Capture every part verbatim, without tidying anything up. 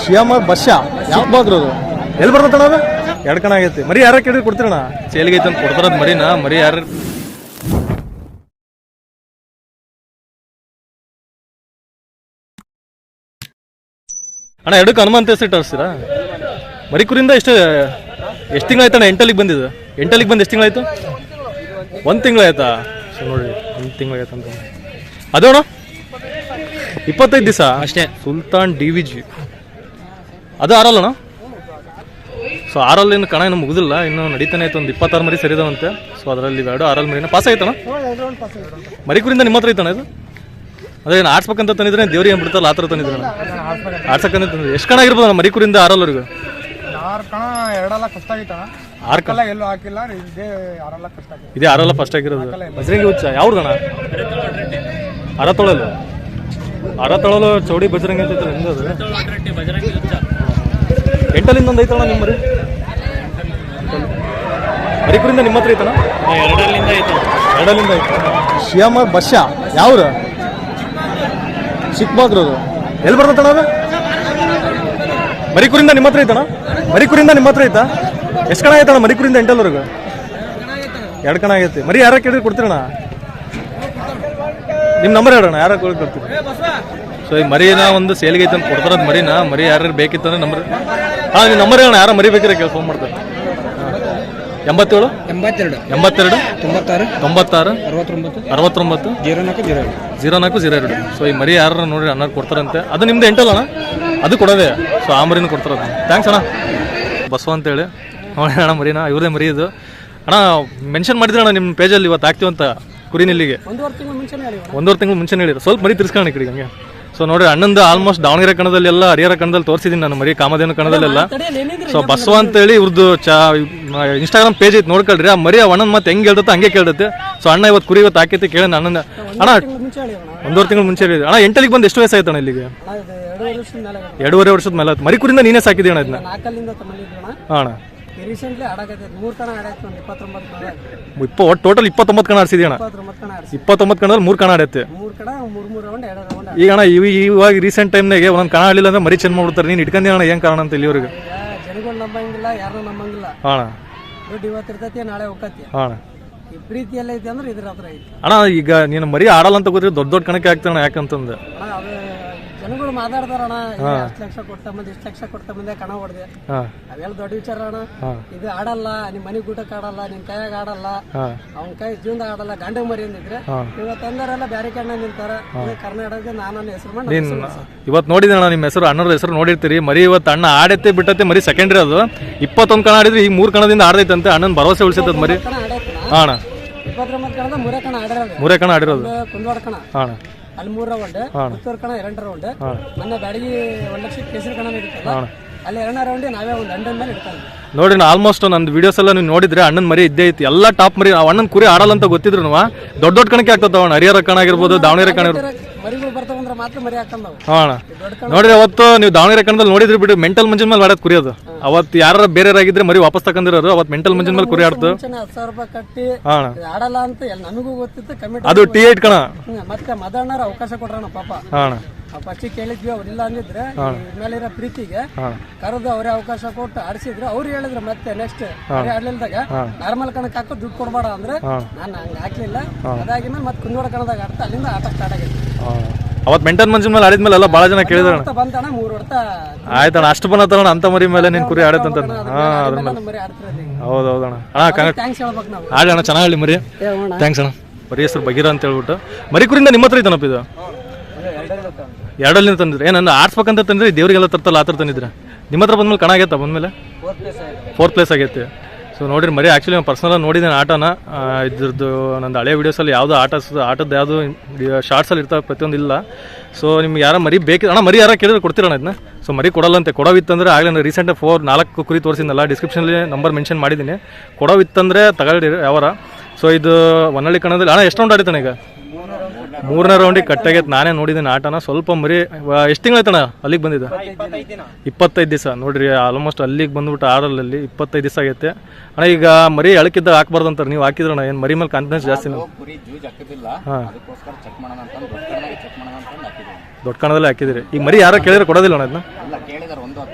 Shivamogga bus ಯಾವ ಬಾಗ್ರದು ಎಲ್ಲಿ ಬರ್ತಣ್ಣ ಅದು ಎರಡು ಕಣ ಆಗೈತಿ ಮರಿ ಯಾರ ಕೇಳಿದ್ರೆ ಕೊಡ್ತೀರಣ್ಣ ಸೇಲಿಗೆ ಐತೆ ಅಂತ ಕೊಡ್ತಾರದ್ ಮರಿನಾ ಮರಿ ಯಾರು ಅಣ್ಣ ಎರಡಕ್ಕೆ ಹನುಮಂತ ಹೆಸರು ತರಿಸ್ತೀರಾ ಮರಿಕುರಿಂದ ಎಷ್ಟು ಎಷ್ಟು ತಿಂಗಳಾಯ್ತಣ್ಣ ಎಂಟಲ್ಲಿಗೆ ಬಂದಿದ್ದು ಎಂಟಲ್ಲಿಗೆ ಬಂದು ಎಷ್ಟು ತಿಂಗಳಾಯ್ತು ಒಂದು ತಿಂಗಳಾಯ್ತಾ ಸೊ ನೋಡಿರಿ ಒಂದು ತಿಂಗಳಾಯ್ತು ಅಂತ ಅದು ಅಣ್ಣ ಇಪ್ಪತ್ತೈದು ದಿವಸ ಅಷ್ಟೇ ಸುಲ್ತಾನ್ ಡಿ ವಿ ಜಿ ಅದು ಆರಲ್ಲಣ್ಣ ಸೊ ಆರಲ್ಲಿ ಇನ್ನು ಕಣ ಇನ್ನೂ ಮುಗಿದಿಲ್ಲ ಇನ್ನು ನಡೀತಾನೆ ಆಯ್ತು ಒಂದು ಇಪ್ಪತ್ತಾರು ಮರಿ ಸರಿದಾವಂತೆ ಸೊ ಅದರಲ್ಲಿ ಎರಡು ಆರಲ್ಲಿ ಮರಿನ ಪಾಸ್ ಆಯ್ತಣ್ಣ ಮರಿಕುರಿಂದ ನಿಮ್ಮ ಹತ್ರ ಐತಣ್ಣ ಇದು ಅದೇ ಏನು ಆಡ್ಸ್ಬೇಕಂತ ತಂದಿದ್ರೆ ದೇವ್ರಿಗೆ ಏನು ಬಿಡ್ತಲ್ಲ ಆ ಥರ ತಂದಿದ್ರೆ ಆಡ್ಸಕ್ಕಂತ ತಂದಿದ್ರೆ ಎಷ್ಟು ಕಣ ಆಗಿರ್ಬೋದು ಮರಿಕುರಿಂದ ಆರಲ್ಲವರೆಗೂ ಆರು ಕಣ ಎರಡೆಲ್ಲ ಕಷ್ಟ ಆಗಿತ್ತಣ್ಣ ಆರು ಕಣ ಎಲ್ಲೂ ಹಾಕಿಲ್ಲ ಇದೇ ಆರೆಲ್ಲ ಕಷ್ಟ ಆಗಿದೆ ಇದೇ ಆರೆಲ್ಲ ಫಸ್ಟ್ ಆಗಿರೋದು ಬಜರಂಗಿ ಹುಚ್ಚ ಯಾವ್ದಣ್ಣ ಅರ ತೊಳಲು ಅರ ತೊಳಲು ಚೌಡಿ ಬಜರಂಗಿ ಅಂತ ನಿಂದದು ಎಂಟಲ್ಲಿಂದ ಒಂದು ಐತಣ್ಣ ನಿಮ್ಮ ಮರಿ ಮರಿಕುರಿಂದ ನಿಮ್ಮ ಹತ್ರ ಐತಣ್ಣ ಎರಡಲ್ಲಿಂದ ಐತೆ ಎರಡಲ್ಲಿಂದ ಐತೆ ಶಿವಮೊಗ್ಗ ಬಸ್ಸ ಯಾವ್ರು ಚಿಕ್ಕಬಾಗ್ರದು ಎಲ್ಲಿ ಬರ್ತಣ್ಣ ಅದು ಮರಿಕುರಿಂದ ನಿಮ್ಮ ಹತ್ರ ಐತಣ್ಣ ಮರಿಕುರಿಂದ ನಿಮ್ಮ ಹತ್ರ ಐತಾ ಎಷ್ಟು ಕಣ ಆಯ್ತಣ್ಣ ಮರಿಕುರಿಂದ ಎಂಟಲ್ವರೆಗೂ ಎರಡು ಕಣ ಆಗೈತಿ ಮರಿ ಯಾರ ಕೇಳಿದ್ರೆ ಕೊಡ್ತೀರಣ್ಣ ನಿಮ್ಮ ನಂಬರ್ ಹೇಳೋಣ ಯಾರ ಕೇಳಿ ಕೊಡ್ತೀರಿ ಸೊ ಈ ಮರಿನ ಒಂದು ಸೇಲಿಗೆ ಐತೆ ಅಂತ ಕೊಡ್ತಾರದ್ ಮರಿನ ಮರಿ ಯಾರು ಬೇಕಿತ್ತಂದ್ರೆ ನಂಬರ್ ಹಾಂ ನೀವು ನಂಬರ್ ಹೇಳೋಣ ಯಾರ ಮರಿಬೇಕಾರೆ ಕೇಳಿ ಫೋನ್ ಮಾಡ್ತಾರೆ ಎಂಬತ್ತೇಳು ಎಂಬತ್ತೆರಡು ಎಂಬತ್ತೆರಡು ತೊಂಬತ್ತಾರು ತೊಂಬತ್ತಾರು ಅರವತ್ತೊಂಬತ್ತು ಅರವತ್ತೊಂಬತ್ತು ಜೀರೋ ನಾಲ್ಕು ಜೀರೋ ಎರಡು ಜೀರೋ ನಾಲ್ಕು ಜೀರೋ ಎರಡು ಸೊ ಈ ಮರಿ ಯಾರು ನೋಡ್ರಿ ಅನ್ನ ಕೊಡ್ತಾರಂತೆ ಅದು ನಿಮ್ದು ಎಂಟಲ್ಲ ಅಣ್ಣ ಅದು ಕೊಡೋದೆ ಸೊ ಆ ಮರಿನ ಕೊಡ್ತಾರದು ಥ್ಯಾಂಕ್ಸ್ ಅಣ್ಣ ಬಸವ ಅಂತೇಳಿ ನೋಡಿ ಅಣ್ಣ ಮರಿನಾ ಇವ್ರದೇ ಮರಿ ಇದು ಅಣ್ಣ ಮೆನ್ಷನ್ ಮಾಡಿದ್ರೆ ಅಣ್ಣ ನಿಮ್ಮ ಪೇಜಲ್ಲಿ ಇವತ್ತು ಆಗ್ತೀವಂತ ಕುರಿನಿಲ್ಲಿಗೆ ಒಂದೂವರೆ ತಿಂಗಳು ಮುಂಚೆ ಒಂದೂವರೆ ತಿಂಗಳು ಮುಂಚೆ ಹೇಳಿದ್ರು ಸ್ವಲ್ಪ ಮರಿ ತಿರ್ಸ್ಕೊಳ್ಳಿ ಕಡೆಗೆ ಹಂಗೆ ಸೊ ನೋಡಿ ಅಣ್ಣಂದು ಆಲ್ಮೋಸ್ಟ್ ದಾವಣಗೆರೆ ಕಣದಲ್ಲಿ ಎಲ್ಲ ಹರಿಹರ ಕಣದಲ್ಲಿ ತೋರಿಸಿದ್ದೀನಿ ನಾನು ಮರಿ ಕಾಮಧೇನು ಕಣದಲ್ಲೆಲ್ಲ ಸೊ ಬಸವ ಅಂತೇಳಿ ಇವ್ರದ್ದು ಚಾ ಇನ್ಸ್ಟಾಗ್ರಾಮ್ ಪೇಜ್ ಐತೆ ನೋಡ್ಕೊಳ್ರಿ ಆ ಮರಿ ಆ ಅಣ್ಣನ ಮತ್ತೆ ಹೆಂಗೆ ಹೇಳ್ದತ್ತೆ ಹಂಗೆ ಕೇಳ್ದತ್ತೆ ಸೊ ಅಣ್ಣ ಇವತ್ತು ಕುರಿ ಇವತ್ತು ಹಾಕೈತಿ ಕೇಳಿ ಅಣ್ಣನ ಅಣ್ಣ ಒಂದೂವರೆ ತಿಂಗಳು ಮುಂಚೆ ಹೇಳಿದ್ರು ಅಣ್ಣ ಎಂಟಲ್ಲಿಗೆ ಬಂದು ಎಷ್ಟು ವಯಸ್ಸಾಯ್ತು ಅಣ್ಣ ಇಲ್ಲಿಗೆ ಎರಡೂವರೆ ವರ್ಷದ ಮೇಲೆ ಆಯ್ತು ಮರಿಕುರಿಂದ ನೀನೇ ಸಾಕಿದ್ದೀವಿ ಅಣ್ಣ ಇದನ್ನ ಹಾಂ ಅಣ್ಣ ರೀಸೆಂಟ್ಲಿ ಆಡಾಕೈತೆ ಮೂರು ಕಣ ಆಡಾಯ್ತು ಒಂದು ಇಪ್ಪತ್ತೊಂಬತ್ತು ಇಪ್ಪ ಒಟ್ಟು ಟೋಟಲ್ ಇಪ್ಪತ್ತೊಂಬತ್ತು ಕಣ ಆಡ್ಸಿದ್ವಿ ಅಣ್ಣ ಇಪ್ಪತ್ತೊಂಬತ್ತು ಕಣದಲ್ಲಿ ಮೂರು ಕಣ ಆಡೈತೆ ಮೂರು ಕಣ ಮೂರು ಮೂರು ರೌಂಡ್ ಎರಡು ರೌಂಡ್ ಈಗ ಅಣ್ಣ ಇವ ಇವಾಗ ರೀಸೆಂಟ್ ಟೈಮ್ನಾಗೆ ಒಂದೊಂದು ಕಣ ಆಡಲಿಲ್ಲ ಅಂದ್ರೆ ಮರಿ ಚೆಂದ ಮಾಡ್ಬಿಡ್ತಾರೆ ನೀನು ಇಟ್ಕೊಂಡಿ ಅಣ್ಣ ಏನು ಕಾರಣ ಅಂತ ಇಲ್ಲಿವರೆಗೆ ಜನಗಳು ನಂಬಂಗಿಲ್ಲ ಯಾರು ನಂಬಂಗಿಲ್ಲ ಹಾಂ ದುಡ್ಡು ಇವತ್ತು ಇರ್ತೈತಿ ನಾಳೆ ಹೋಗತಿ ಹಾಂ ಈ ಪ್ರೀತಿ ಎಲ್ಲ ಐತಿ ಅಂದ್ರೆ ಇದ್ರ ಹತ್ರ ಐತಿ ಅಣ್ಣ ಈಗ ನೀನು ಮರಿ ಆಡಲ್ಲ ಅಂತ ಗೊತ್ತಿದ್ರೆ ದೊಡ್ಡ ದೊಡ್ಡ ಕಣಕ್ಕೆ ಆಗ್ತಾನೆ ಯಾಕಂತಂದು ಅಣ್ಣ ಅದು ಜನಗಳು ಮಾತಾಡ್ತಾರಣ್ಣ ಅಷ್ಟು ಲಕ್ಷ ಕೊಡ್ತಾ ಬಂದು ಇಷ್ಟು ಲಕ್ಷ ಕೊಡ್ತಾ ಬಂದೆ ಕಣ ಹೊಡೆದೆ ಅವೆಲ್ಲ ದೊಡ್ಡ ವಿಚಾರ ಅಣ್ಣ ಇದು ಆಡಲ್ಲ ನಿಮ್ ಮನೆ ಊಟಕ್ಕೆ ಆಡಲ್ಲ ನಿಮ್ ಕೈಯಾಗ ಆಡಲ್ಲ ಅವ್ನ ಕೈ ಜೀವನದಾಗ ಆಡಲ್ಲ ಗಂಡ ಮರಿ ಅಂದಿದ್ರೆ ಇವತ್ತು ಅಂದರೆಲ್ಲ ಬ್ಯಾರೆ ಕಣ್ಣ ನಿಂತಾರ ಕರ್ನಾಟಕದ ನಾನು ಹೆಸರು ಮಾಡಿ ಇವತ್ತು ನೋಡಿದೆ ಅಣ್ಣ ನಿಮ್ಮ ಹೆಸರು ಅಣ್ಣರ ಹೆಸರು ನೋಡಿರ್ತೀರಿ ಮರಿ ಇವತ್ತು ಅಣ್ಣ ಆಡೈತೆ ಬಿಟ್ಟತ್ತೆ ಮರಿ ಸೆಕೆಂಡ್ರಿ ಅದು ಇಪ್ಪತ್ತೊಂದು ಕಣ ಆಡಿದ್ರೆ ಈಗ ಮೂರು ಕಣದಿಂದ ಆಡೈತಂತೆ ಅಣ್ಣನ ಭರವಸೆ ಉಳಿಸೈತದ ಮರಿ ಹಾಂ ಅಣ್ಣ ಇಪ್ಪತ್ತೊಂಬತ್ತು ಕಣದ ಮೂರೇ ಕಣ ಆಡಿರೋದು ಮೂರೇ ಕಣ ಆಡಿರೋದು ಕುಂದವಾಡ ಕಣ ಹಾಂ ಅಲ್ಲಿ ಮೂರು ರೌಂಡ್ ಪುತ್ತೂರು ಕಣ ಎರಡು ರೌಂಡ್ ಮೊನ್ನೆ ಬ್ಯಾಡಗಿ ಒಂದ್ ಲಕ್ಷ ಕೇಸರಿ ಕಣ ನಡೀತಲ್ಲ ಅಲ್ಲಿ ಎರಡನೇ ರೌಂಡ್ ನಾವೇ ಒಂದು ಹಂಡ್ರೆಡ್ ಮೇಲೆ ಇಡ್ತಾನೆ ನೋಡಿ ಆಲ್ಮೋಸ್ಟ್ ನಂದು ವಿಡಿಯೋಸ್ ಎಲ್ಲ ನೀವು ನೋಡಿದ್ರೆ ಅಣ್ಣನ ಮರಿ ಇದ್ದೇ ಐತಿ ಎಲ್ಲ ಟಾಪ್ ಮರಿ ಅಣ್ಣನ ಕುರಿ ಆಡಲ್ಲ ಅಂತ ಗೊತ್ತಿದ್ರು ದೊಡ್ಡ ದೊಡ್ಡ ಕಣಕ್ಕೆ ಆಗ್ತದ ಅಣ್ಣ ಹರಿಹರ ಕಣ ಆಗಿರ್ಬೋದು ದಾವಣಗೆರೆ ಕಣ ಮರಿಗಳು ಬರ್ತಾವಂದ್ರೆ ಮಾತ್ರ ಮರಿ ಹಾಕಂದವು ಹಾಂ ನೋಡಿದ್ರೆ ಅವತ್ತು ನೀವು ದಾವಣಗೆರೆ ಕಣದಲ್ಲಿ ನೋಡಿದ್ರಿ ಬಿಟ್ಟು ಮೆಂಟಲ್ ಮಂಜಿನ ಮೇಲೆ ಆಡೋದು ಕುರಿಯೋದು ಅವತ್ತು ಯಾರು ಬೇರೆ ಆಗಿದ್ರೆ ಮರಿ ವಾಪಸ್ ತಕೊಂಡಿರೋರು ಅವತ್ತು ಮೆಂಟಲ್ ಮಂಜಿನ ಮೇಲೆ ಕುರಿ ಆಡ್ತು ಹತ್ತು ಸಾವಿರ ರೂಪಾಯಿ ಕಟ್ಟಿ ಹಾಂ ಆಡಲ್ಲ ಅಂತ ನಮಗೂ ಗೊತ್ತಿತ್ತು ಕಮಿಟಿ ಅದು ಟಿ ಏಟ್ ಕಣ ಮತ್ತೆ ಮದಣ್ಣರ ಅವಕಾಶ ಕೊಡ್ರಣ ಪಾಪ ಹಾಂ ಫಸ್ಟ್ ಕೇಳಿದ್ವಿ ಅವ್ರಿಲ್ಲ ಅಂದಿದ್ರೆ ಮೇಲಿರೋ ಪ್ರೀತಿಗೆ ಕರೆದು ಅವರೇ ಅವಕಾಶ ಕೊಟ್ಟು ಆಡಿಸಿದ್ರು ಅವ್ರು ಹೇಳಿದ್ರು ಮತ್ತೆ ನೆಕ್ಸ್ಟ್ ಆಡ್ಲಿಲ್ದಾಗ ನಾರ್ಮಲ್ ಕಣಕ್ ಹಾಕೋ ದುಡ್ಡು ಕೊಡ್ಬೇಡ ಅಂದ್ರೆ ನಾನು ಹಂಗ ಹಾಕ್ಲಿಲ್ಲ ಅದಾಗಿ ಮತ್ತೆ ಕುಂದೋಡ ಕಣದಾಗ ಆಡ್ತಾ ಅಲ್ಲಿಂದ ಆಟ ಸ್ಟಾರ್ಟ್ ಆಗೈತಿ ಅವತ್ತು ಮೆಂಟಲ್ ಮಂಜಿನ ಮೇಲೆ ಆಡಿದ್ಮೇಲೆ ಎಲ್ಲ ಭಾಳ ಜನ ಕೇಳಿದ್ರು ಬಂತಣ್ಣ ಮೂರು ಹೊಡ್ತ ಆಯ್ತಣ್ಣ ಅಷ್ಟು ಬಂದಣ್ಣ ಅಂತ ಮರಿ ಮೇಲೆ ನೀನು ಕುರಿ ಆಡತ್ತಂತ ಹಾಂ ಅದ್ರ ಮೇಲೆ ಮರಿ ಆಡ್ತಿರೋದು ಹೌದು ಹೌದಣ್ಣ ಅಣ್ಣ ಥ್ಯಾಂಕ್ಸ್ ಹೇಳ್ಬೇಕು ನಾವು ಆಡೋಣ ಚೆನ್ನಾಗಿ ಮರಿ ಥ್ಯಾಂಕ್ಸ್ ಅಣ್ಣ ಮರಿ ಹೆಸರು ಬಗೀರ ಅಂತ ಹೇಳ್ಬಿಟ್ಟು ಮರಿ ಕುರಿಂದ ನಿಮ್ಮ ಹತ್ರ ಐತನಪ್ಪ ಇದು ಎರಡಲ್ಲಿಂದ ತಂದಿದ್ರೆ ಏನನ್ನ ಆಡ್ಸ್ಬೇಕಂತ ತಂದ್ರೆ ದೇವ್ರಿಗೆಲ್ಲ ತರ್ತಲ್ಲ ಆ ಥರ ತಂದಿದ್ರೆ ನಿಮ್ಮ ಹತ್ರ ಬಂದ್ಮೇಲೆ ಕಣ ಆಗೈತಾ ಬಂದಮೇಲೆ ಫೋರ್ತ್ ಪ್ಲೇಸ್ ಆಗೈತೆ ಸೊ ನೋಡಿರಿ ಮರಿ ಆ್ಯಕ್ಚುಲಿ ನಾನು ಪರ್ಸನಲಾಗಿ ನೋಡಿದ್ದೇನೆ ಆಟನ ಇದ್ರದ್ದು ನಂದು ಹಳೆ ವೀಡಿಯೋಸಲ್ಲಿ ಯಾವುದೋ ಆಟ ಆಟದ್ದು ಯಾವುದು ಶಾರ್ಟ್ಸಲ್ಲಿ ಇರ್ತಾವೆ ಪ್ರತಿಯೊಂದು ಇಲ್ಲ ಸೊ ನಿಮ್ಗೆ ಯಾರೋ ಮರಿ ಬೇಕು ಅಣ್ಣ ಮರಿ ಯಾರೋ ಕೇಳಿದ್ರೆ ಕೊಡ್ತೀರಣ್ಣ ಇದನ್ನ ಸೊ ಮರಿ ಕೊಡಲ್ಲಂತೆ ಕೊಡೋವಿತ್ತಂದ್ರೆ ಆಗಲೇ ನಾನು ರೀಸೆಂಟಾಗಿ ಫೋರ್ ನಾಲ್ಕು ಕುರಿ ತೋರಿಸಿದ್ನಲ್ಲ ಡಿಸ್ಕ್ರಿಪ್ಷನಲ್ಲಿ ನಂಬರ್ ಮೆನ್ಷನ್ ಮಾಡಿದ್ದೀನಿ ಕೊಡೋವಿತ್ತಂದರೆ ತಗೊಳ್ಳಿ ಯಾವಾರ ಸೊ ಇದು ಹೊನ್ನಳ್ಳಿ ಕಣದಲ್ಲಿ ಅಣ್ಣ ಎಷ್ಟು ರೌಂಡ್ ಆಡಿತಾನೆ ಈಗ ಮೂರನೇ ರೌಂಡಿಗೆ ಕಟ್ಟಾಗೈತೆ ನಾನೇ ನೋಡಿದ್ದೀನಿ ಆಟನ ಸ್ವಲ್ಪ ಮರಿ ಎಷ್ಟು ತಿಂಗಳಾಯ್ತಣ್ಣ ಅಲ್ಲಿಗೆ ಬಂದಿದ್ದೆ ಇಪ್ಪತ್ತೈದು ದಿವಸ ನೋಡಿರಿ ಆಲ್ಮೋಸ್ಟ್ ಅಲ್ಲಿಗೆ ಬಂದ್ಬಿಟ್ಟು ಆರಲ್ಲಿ ಇಪ್ಪತ್ತೈದು ದಿವಸ ಆಗೈತೆ ಅಣ್ಣ ಈಗ ಮರಿ ಅಳಕಿದ್ದಾಗ ಹಾಕ್ಬಾರ್ದು ಅಂತಾರೆ ನೀವು ಹಾಕಿದ್ರಣ್ಣ ಏನು ಮರಿ ಮೇಲೆ ಕಾನ್ಫಿಡೆನ್ಸ್ ಜಾಸ್ತಿ ಹಾಂ ದೊಡ್ಡ ಕಣದಲ್ಲಿ ಹಾಕಿದಿರಿ ಈಗ ಮರಿ ಯಾರೋ ಕೇಳಿದ್ರೆ ಕೊಡೋದಿಲ್ಲ ಅಣ್ಣ ಅದನ್ನ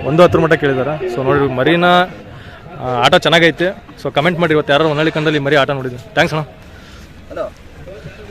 ಒಂದು ಹತ್ತರ ಮಟ್ಟ ಕೇಳಿದಾರೆ. ಸೊ ನೋಡಿ ಮರಿನ ಆ, ಆಟ ಚೆನ್ನಾಗೈತೆ. ಸೊ ಕಮೆಂಟ್ ಮಾಡಿ ಇವತ್ತು ಯಾರು ಹೊನ್ನಳ್ಳಿ ಕಂಡಲ್ಲಿ ಮರಿ ಆಟ ನೋಡಿದ್ರು. ಥ್ಯಾಂಕ್ಸ್ ಅಣ್ಣ. ಹಲೋ